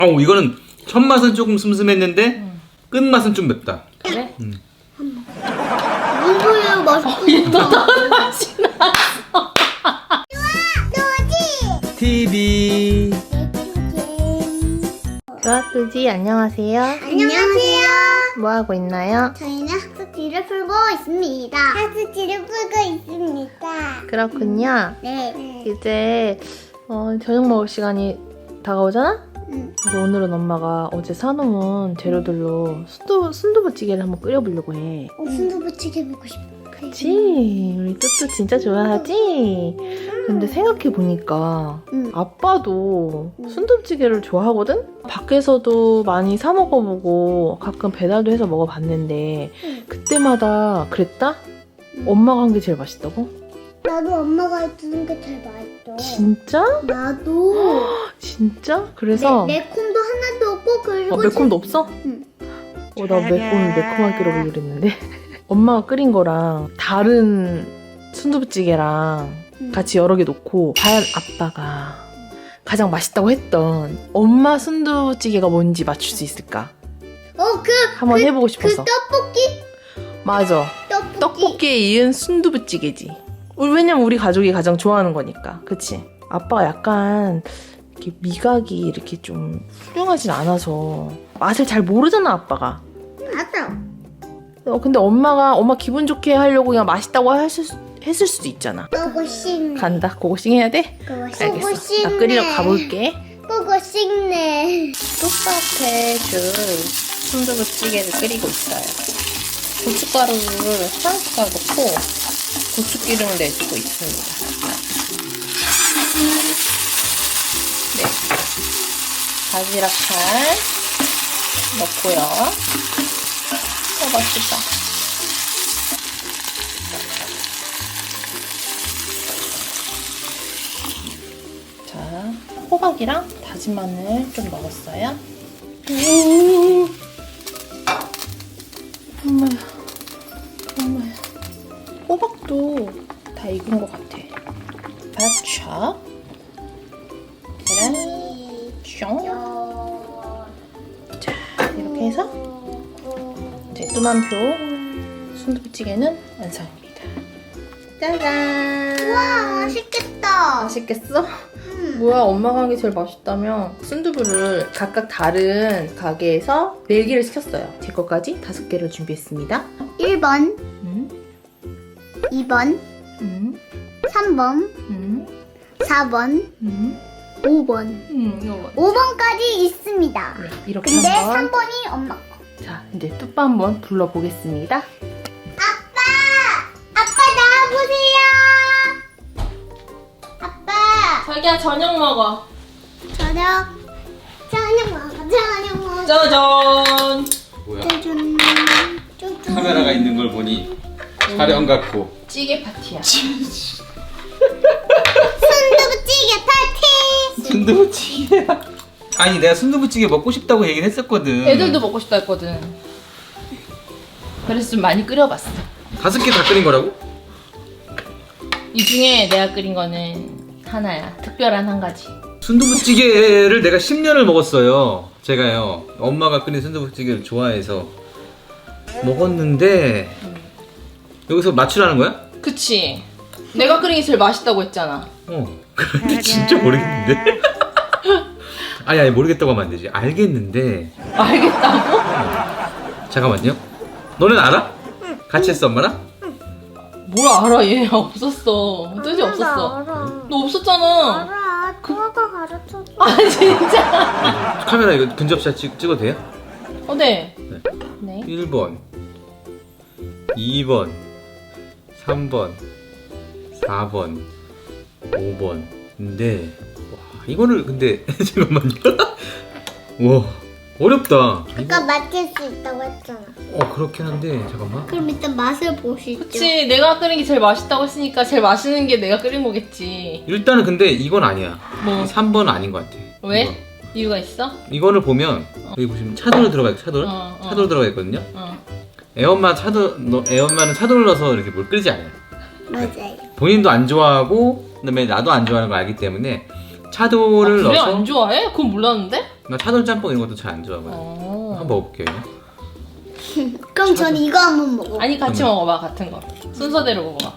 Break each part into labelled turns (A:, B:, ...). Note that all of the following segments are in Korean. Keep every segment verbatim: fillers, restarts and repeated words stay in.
A: 어우 이거는 첫 맛은 조금 슴슴했는데 음. 끝맛은 좀 맵다.
B: 그래?
A: 음.
C: 뭔 소리야 맛있겠다.
B: 맛이 났어.
A: 티비
B: 좋아뚜지 안녕하세요.
C: 안녕하세요.
B: 뭐 하고 있나요?
C: 저희는 학습지를 풀고 있습니다. 학습지를 풀고 있습니다.
B: 그렇군요.
C: 네.
B: 이제 어, 저녁 먹을 시간이 다가오잖아?
C: 응.
B: 그래서 오늘은 엄마가 어제 사놓은 재료들로 순두, 순두부찌개를 한번 끓여보려고 해.
C: 어, 순두부찌개 먹고 싶어.
B: 그치? 우리 뚜뚜 진짜 좋아하지? 근데 생각해보니까
C: 응.
B: 아빠도
C: 응.
B: 순두부찌개를 좋아하거든? 밖에서도 많이 사 먹어보고 가끔 배달도 해서 먹어봤는데
C: 응.
B: 그때마다 그랬다?
C: 응.
B: 엄마가 한 게 제일 맛있다고?
C: 나도 엄마가 해주는 게 제일 맛있어.
B: 진짜?
C: 나도.
B: 진짜? 그래서
C: 매, 매콤도 하나도 없고 그리고
B: 어, 매콤도 없어?
C: 응.
B: 어, 나 매콤, 매콤하게 끓여보려고 그랬는데 엄마가 끓인 거랑 다른 순두부찌개랑
C: 응.
B: 같이 여러 개 놓고 과연 아빠가 가장 맛있다고 했던 엄마 순두부찌개가 뭔지 맞출 수 있을까?
C: 어, 그,
B: 한번
C: 그,
B: 해보고
C: 그
B: 싶어서.
C: 떡볶이?
B: 맞아.
C: 떡볶이.
B: 떡볶이에 이은 순두부찌개지. 우리- 왜냐면 우리 가족이 가장 좋아하는 거니까. 그치? 아빠가 약간 이렇게 미각이 이렇게 좀 훌륭하진 않아서 맛을 잘 모르잖아, 아빠가.
C: 맞아.
B: 어, 근데 엄마가 엄마 기분 좋게 하려고 그냥 맛있다고 했을, 수- 했을 수도 있잖아.
C: 보고 싶네.
B: 간다. 고고싱 해야 돼?
C: 그거
B: 알겠어.
C: 싶네.
B: 나 끓이러 가볼게.
C: 보고 싶네.
B: 뚝딱 해줄 순두부찌개를 끓이고 있어요. 고춧가루를 한 숟갈 넣고 고추기름을 내주고 있습니다. 네. 바지락살 넣고요. 어, 맛있다. 자, 호박이랑 다진 마늘 좀 넣었어요. 엄마야, 엄마야. 호박도 다 익은 것 같아. 바쳐, 계란, 쫑. 자, 이렇게 해서 이제 뚜만표 순두부찌개는 완성입니다. 짜잔!
C: 와, 맛있겠다.
B: 맛있겠어?
C: 음.
B: 뭐야, 엄마가 한 게 제일 맛있다며 순두부를 각각 다른 가게에서 네 개를 시켰어요. 제 것까지 다섯 개를 준비했습니다.
C: 일 번,
B: 음,
C: 이 번,
B: 음,
C: 삼 번,
B: 음,
C: 사 번,
B: 음,
C: 오 번.
B: 음, 이거
C: 오 번까지 있습니다.
B: 네, 이렇게
C: 근데
B: 한번.
C: 삼 번이 엄마 거.
B: 자, 이제 뚜빠 한번 불러보겠습니다.
C: 아빠! 아빠 나와보세요! 아빠!
B: 자기야, 저녁 먹어.
C: 저녁, 저녁 먹어, 저녁 먹어.
B: 짜잔!
A: 뭐야?
C: 짜잔. 짜잔.
A: 카메라가 있는 걸 보니 촬영 같고.
B: 찌개 파티야.
C: 순두부찌개 파티!
A: 순두부찌개야. 아니 내가 순두부찌개 먹고 싶다고 얘기를 했었거든.
B: 애들도 먹고 싶다 했거든. 그래서 좀 많이 끓여봤어.
A: 다섯 개 다 끓인 거라고?
B: 이 중에 내가 끓인 거는 하나야. 특별한 한 가지.
A: 순두부찌개를 내가 십 년을 먹었어요. 제가요. 엄마가 끓인 순두부찌개를 좋아해서 먹었는데 여기서 맞추라는 거야?
B: 그치? 내가 끓인 게 제일 맛있다고 했잖아.
A: 어. 근데 진짜 모르겠는데. 아니 아니 모르겠다고 하면 안 되지. 알겠는데.
B: 알겠다고?
A: 잠깐만요. 너는 알아? 같이 했어 엄마랑?
B: 뭘 알아, 얘. 없었어. 뜻이 없었어.
C: 알아.
B: 너 없었잖아.
C: 알아. 누가 가르쳐줘.
B: 아, 진짜.
A: 카메라 이거 근접샷 찍, 찍어도 돼요?
B: 어, 네.
A: 네.
B: 네.
A: 일 번 이 번 삼 번 사 번 오 번인데 와 이거를 근데 잠깐만요. 와 어렵다.
C: 아까 맞힐 수 있다고 했잖아.
A: 어 그렇긴 한데 잠깐만.
C: 그럼 일단 맛을 보시죠.
B: 그치, 내가 끓인 게 제일 맛있다고 했으니까 제일 맛있는 게 내가 끓인 거겠지.
A: 일단은 근데 이건 아니야.
B: 뭐?
A: 삼 번은 아닌 것 같아.
B: 왜?
A: 이거.
B: 이유가 있어?
A: 이거를 보면 여기 보시면 차돌로 들어가 있 차돌?
B: 어, 어.
A: 차돌 들어가 있거든요.
B: 어.
A: 애엄마 차돌 너- 애엄마는 차돌을 넣어서 이렇게 물 끓이지 않아요.
C: 맞아요.
A: 본인도 안 좋아하고 그다음에 나도 안 좋아하는 걸 알기 때문에 차돌을
B: 아, 그래?
A: 넣어서
B: 안 좋아해? 그건 몰랐는데?
A: 나 차돌 짬뽕 이런 것도 잘 안 좋아하거든.
B: 어.
A: 한번 먹어볼게요.
C: 그럼 전 이거 한번 먹어.
B: 아니 같이
A: 그러면-
B: 먹어봐 같은 거. 순서대로 먹어봐.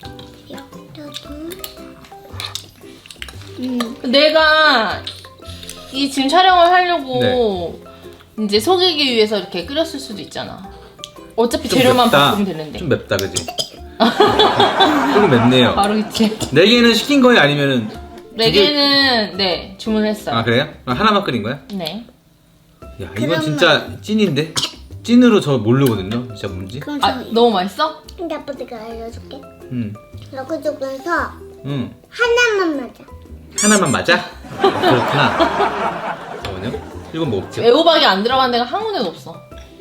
C: 음.
B: 내가 이 지금 촬영을 하려고
A: 네.
B: 이제 속이기 위해서 이렇게 끓였을 수도 있잖아. 어차피
A: 좀
B: 재료만
A: 맵다.
B: 바꾸면 되는데.
A: 좀 맵다, 그지? 조금 맵네요.
B: 바로 있지.
A: 네 개는 시킨 거예요, 아니면은?
B: 네 개는 네 주문했어요.
A: 아 그래요? 아, 하나만 끓인 거야?
B: 네.
A: 야 이건
C: 그러면-
A: 진짜 찐인데? 찐으로 저 모르거든요. 진짜 뭔지?
C: 그럼
B: 아
C: 전
B: 너무 맛있어?
C: 근데 아빠 내가 알려줄게.
A: 응.
C: 이렇게 조금해서
A: 응.
C: 하나만 맞아.
A: 하나만 맞아? 그렇구나. 잠깐만요. 이건 먹을게요.
B: 애호박이 안 들어간 데가 한 군데도 없어.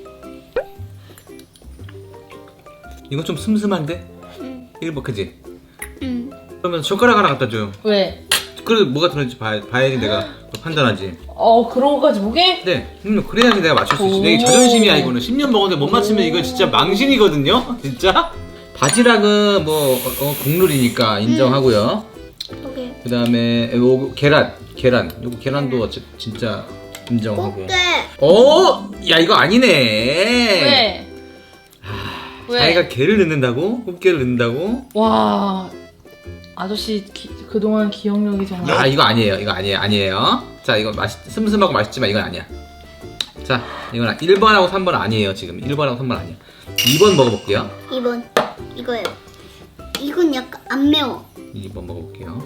A: 이건 좀 슴슴한데?
C: 응.
A: 일본 그지?
C: 응.
A: 그러면 젓가락 하나 갖다 줘요.
B: 왜?
A: 그래도 뭐가 들어있는지 봐야, 봐야지 내가 또 판단하지.
B: 어 그런 거까지 보게?
A: 네, 음, 그래야지 내가 맞출 수 있어.
B: 오.
A: 내 자존심이야 이거는. 십 년 먹었는데 못 맞추면 이거 진짜 망신이거든요. 진짜. 바지락은 뭐 어, 국룰이니까 인정하고요.
C: 오케이.
A: 그 다음에 요 계란, 계란. 요거 계란도 어째- 진짜 인정하고.
C: 꽃게.
A: 어, 야 이거 아니네.
B: 왜? 왜?
A: 자기가 게를 넣는다고? 꽃게를 넣는다고?
B: 와 아저씨 기- 그동안 기억력이 정말.
A: 아 이거 아니에요. 이거 아니에요. 아니에요. 자 이거 맛있 슴슴하고 맛있지만 이건 아니야. 자 이건 일 번하고 삼 번 아니에요. 지금 일 번하고 삼 번 아니야. 이 번 먹어볼게요.
C: 이 번 이거예요. 이건 약간 안 매워.
A: 이 번 먹어볼게요.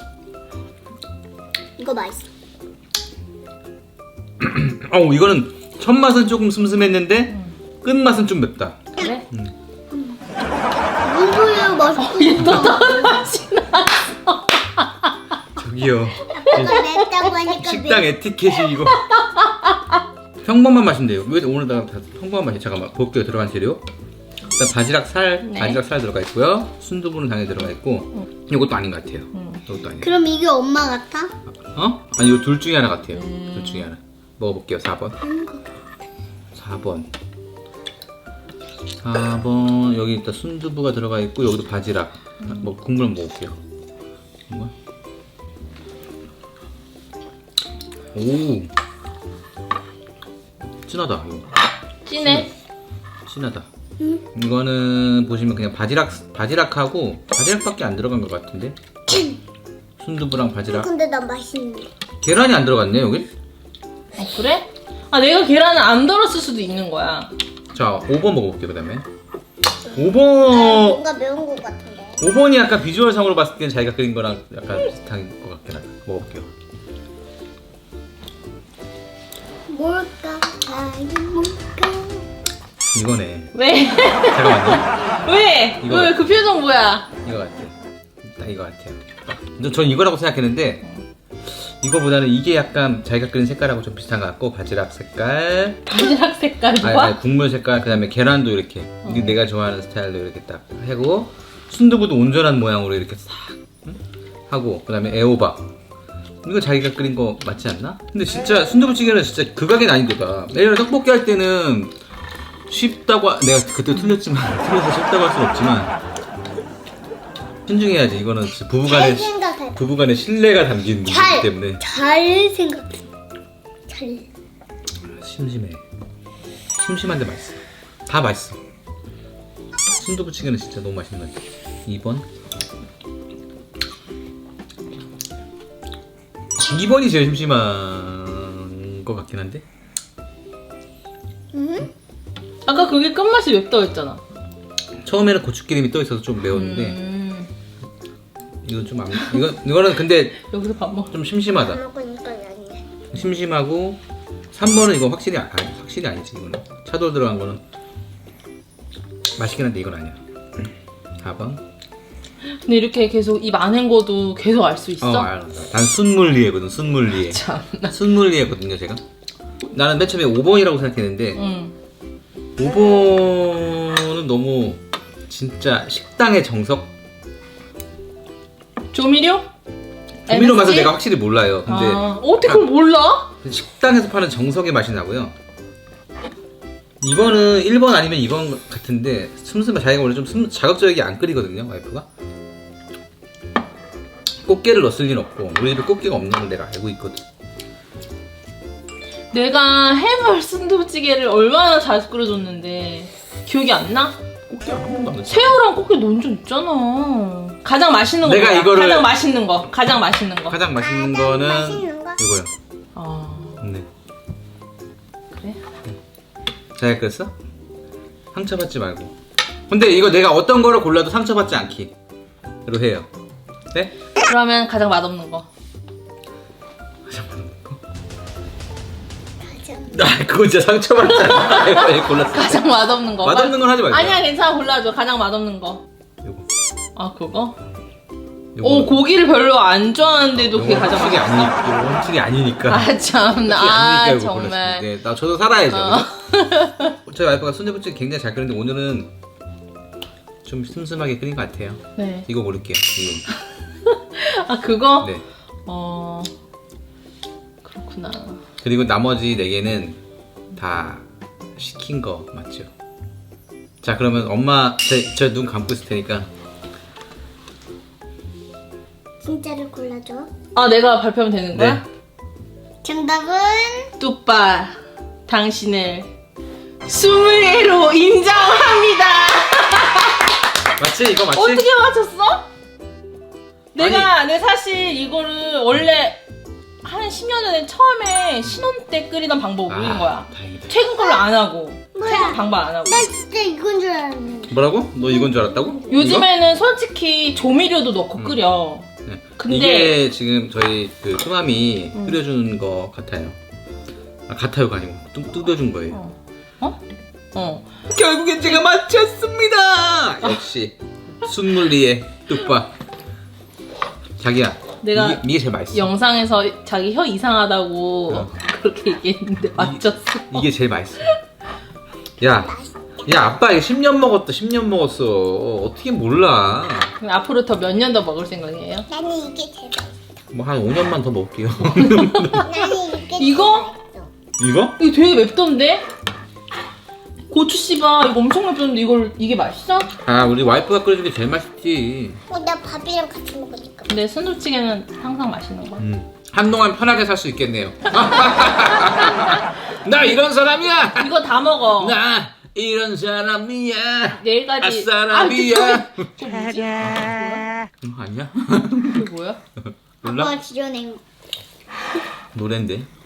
C: 이거 맛있어.
A: 어우 이거는 첫 맛은 조금 슴슴했는데 끝 맛은 좀 맵다.
B: 그래?
C: 뭔 소리야 맛있어.
B: 맛이 나.
A: 저기요.
C: 아까 맵다고 하니까
A: 식당 에티켓이 이거. 평범한 맛인데요. 왜 오늘 나 다 평범한 맛이? 잠깐만 볼게요. 들어간 재료. 일단 바지락 살,
B: 네.
A: 바지락 살 들어가 있고요. 순두부는 당연히 들어가 있고. 이것도 아닌 것 같아요. 이것도 아니에요.
C: 그럼 이게 엄마 같아?
A: 어? 아니 이 둘 중에 하나 같아요.
B: 음.
A: 둘 중에 하나. 먹어볼게요. 사 번. 사 번. 사 번 여기 일단 순두부가 들어가 있고 여기도 바지락. 뭐 국물 먹을게요. 국물. 오. 진하다 이거.
B: 진해?
A: 진하다. 이거는 보시면 그냥 바지락 바지락하고 바지락밖에 안 들어간 것 같은데. 순두부랑 바지락.
C: 근데 난 맛있는데.
A: 계란이 안 들어갔네 여기.
B: 어 그래? 아 내가 계란을 안 덜었을 수도 있는 거야.
A: 자, 오 번 먹어볼게요, 그 다음에. 오
C: 아,
A: 번,
C: 뭔가 매운 것 같은데.
A: 오 번이 약간 비주얼상으로 봤을 때는 자기가 그린 거랑 약간 비슷한 것 같긴 하다. 먹어볼게요.
C: 뭘까? 과연 뭘까?
A: 이거네.
B: 왜?
A: 잠깐만요.
B: 왜?
A: 이거.
B: 왜 그 표정 뭐야?
A: 이거 같아. 딱 이거 같아요. 저- 전 이거라고 생각했는데, 이거보다는 이게 약간 자기가 그린 색깔하고 좀 비슷한 것 같고, 바지락 색깔,
B: 바지락 색깔
A: 아니,
B: 좋아?
A: 아니, 국물 색깔, 그 다음에 계란도 이렇게, 이게 내가 좋아하는 스타일로 이렇게 딱 하고, 순두부도 온전한 모양으로 이렇게 싹 응? 하고, 그 다음에 애호박. 이거 자기가 끓인 거 맞지 않나? 근데 진짜 순두부찌개는 진짜 극악의 난이도다. 예전에 떡볶이 할 때는 쉽다고, 하- 내가 그때 틀렸지만, 틀려서 쉽다고 할 순 없지만, 신중해야지. 이거는 진짜
C: 잘
A: 부부간의, 시-
C: 생각해.
A: 부부간의 신뢰가 담긴 문제이기
C: 잘,
A: 때문에.
C: 잘 생각해. 잘.
A: 심심해. 심심한데 맛있어. 다 맛있어. 순두부찌개는 진짜 너무 맛있는 것 같아. 이 번. 이 번이 제일 심심한 것 같긴 한데.
C: 응?
B: 아까 그게 끝맛이 맵다고 했잖아.
A: 처음에는 고추기름이 떠 있어서 좀 매웠는데
B: 음,
A: 이건 좀 안. 이건 이거는 근데
B: 여기서 밥 먹.
A: 좀 심심하다.
C: 안 먹으니까 아니네.
A: 심심하고 삼 번은 이거 확실히 아, 아니, 확실히 아니지 이거는. 차돌 들어간 거는 맛있긴 한데 이건 아니야. 사 번.
B: 근데 이렇게 계속 이 많은 거도 계속 알 수 있어?
A: 어, 알아. 난 순물리에거든. 순물리에.
B: 참나.
A: 순물리에거든요, 제가. 나는 맨 처음에 오 번이라고 생각했는데
B: 응.
A: 오 번은 너무 진짜 식당의 정석.
B: 조미료?
A: 조미료 맛을
B: 엠에스지?
A: 내가 확실히 몰라요. 근데
B: 아, 어떻게 그걸 몰라?
A: 식당에서 파는 정석의 맛이 나고요. 이거는 일 번 아니면 이 번 같은데 슴슴해. 자기가 원래 좀 슴, 자극적이게 안 끓이거든요, 와이프가. 꽃게를 넣었을 리는 없고 우리 집에 꽃게가 없는 걸 내가 알고 있거든.
B: 내가 해물 순두부찌개를 얼마나 잘 끓여줬는데 기억이 안 나?
A: 꽃게 한 번도 안 넣었어.
B: 새우랑 꽃게 넣은 적 있잖아. 가장 맛있는 거
A: 내가
B: 뭐야?
A: 이거를-
B: 가장 맛있는 거. 가장 맛있는 거.
A: 가장 맛있는
C: 가장
A: 거는
C: 맛있는 거?
A: 이거요.
B: 아
A: 네.
B: 그래?
A: 잘 끓였어? 상처받지 말고. 근데 이거 내가 어떤 거를 골라도 상처받지 않기로 해요. 네?
B: 그러면 가장 맛없는 거.
A: 가장 맛없는 거?
C: 가장
A: 아, 그건 진짜 상처받잖아. 왜 골랐어?
B: 가장 맛없는 거.
A: 맛없는 건 하지 말자.
B: 아니야 괜찮아 골라줘. 가장 맛없는 거.
A: 요거.
B: 아 그거?
A: 요거.
B: 오 고기를 별로 안 좋아하는데도 그게
A: 요거
B: 가장
A: 솔직히
B: 맛없어.
A: 아니, 요거 솔직히 아니니까.
B: 아 참나.
A: 솔직히
B: 아
A: 아니니까 이거
B: 정말.
A: 골랐어요. 네, 나 저도 살아야죠.
B: 어.
A: 그죠? 저희 와이프가 순대부찌개 굉장히 잘 끓이는데 오늘은 좀 슴슴하게 끓인 것 같아요.
B: 네.
A: 이거 고를게요. 이거.
B: 아 그거?
A: 네.
B: 어 그렇구나.
A: 그리고 나머지 네 개는 다 시킨 거 맞죠? 자 그러면 엄마 저 눈 감고 있을 테니까
C: 진짜를 골라줘.
B: 아 내가 발표하면 되는 거야?
A: 네.
C: 정답은
B: 뚜빠 당신을 스물애로 인정합니다.
A: 맞지? 이거 맞지?
B: 어떻게 맞췄어? 내가 내 사실 이거를 원래 한 십 년 전에 처음에 신혼 때 끓이던 방법을 올린 거야.
A: 다행이다.
B: 최근 걸로 안 하고
C: 뭐야?
B: 최근 방법 안 하고.
C: 나 진짜 이건 줄 알았는데.
A: 뭐라고? 너 이건 줄 알았다고?
B: 요즘에는 솔직히 조미료도 넣고
A: 음.
B: 끓여.
A: 이거? 네.
B: 근데-
A: 이게 지금 저희 그 수맘이
B: 음.
A: 끓여주는 거 같아요. 아 같아요가 아니고 뚝 뜯어준 거예요.
B: 어? 어? 어.
A: 결국엔 제가 맞췄습니다. 역시 순물리의 뚝밥. 자기야,
B: 내가
A: 이게, 이게 제일 맛있어.
B: 영상에서 자기 혀 이상하다고
A: 어.
B: 그렇게 얘기했는데 맞췄어.
A: 이게 제일 맛있어. 야, 야 아빠 이거 십 년 먹었다. 십 년 먹었어. 어떻게 몰라?
B: 그럼 앞으로 더 몇 년 더 먹을 생각이에요?
C: 나는 이게 제일 맛있어.
A: 뭐 한 오 년만 더 먹을게요.
C: 나는 이게
B: 이거?
C: 제일 맛있어.
A: 이거?
B: 이거 되게 맵던데? 고추 씨바 이거 엄청 맵던데 이걸 이게 맛있어?
A: 아 우리 와이프가 끓여준 게 제일 맛있지.
C: 어, 나 밥이랑 같이 먹으니까.
B: 근데 순두부찌개는 항상 맛있는 거.
A: 음. 한동안 편하게 살 수 있겠네요. 나 이런 사람이야.
B: 이거 다 먹어.
A: 나 이런 사람이야.
B: 내일까지.
A: 아싸라비야.
B: 아, 저 뭐지?
A: 음, 아니야?
B: 그게 뭐야?
A: 몰라?
C: 아빠가 지어낸
A: 노랜데.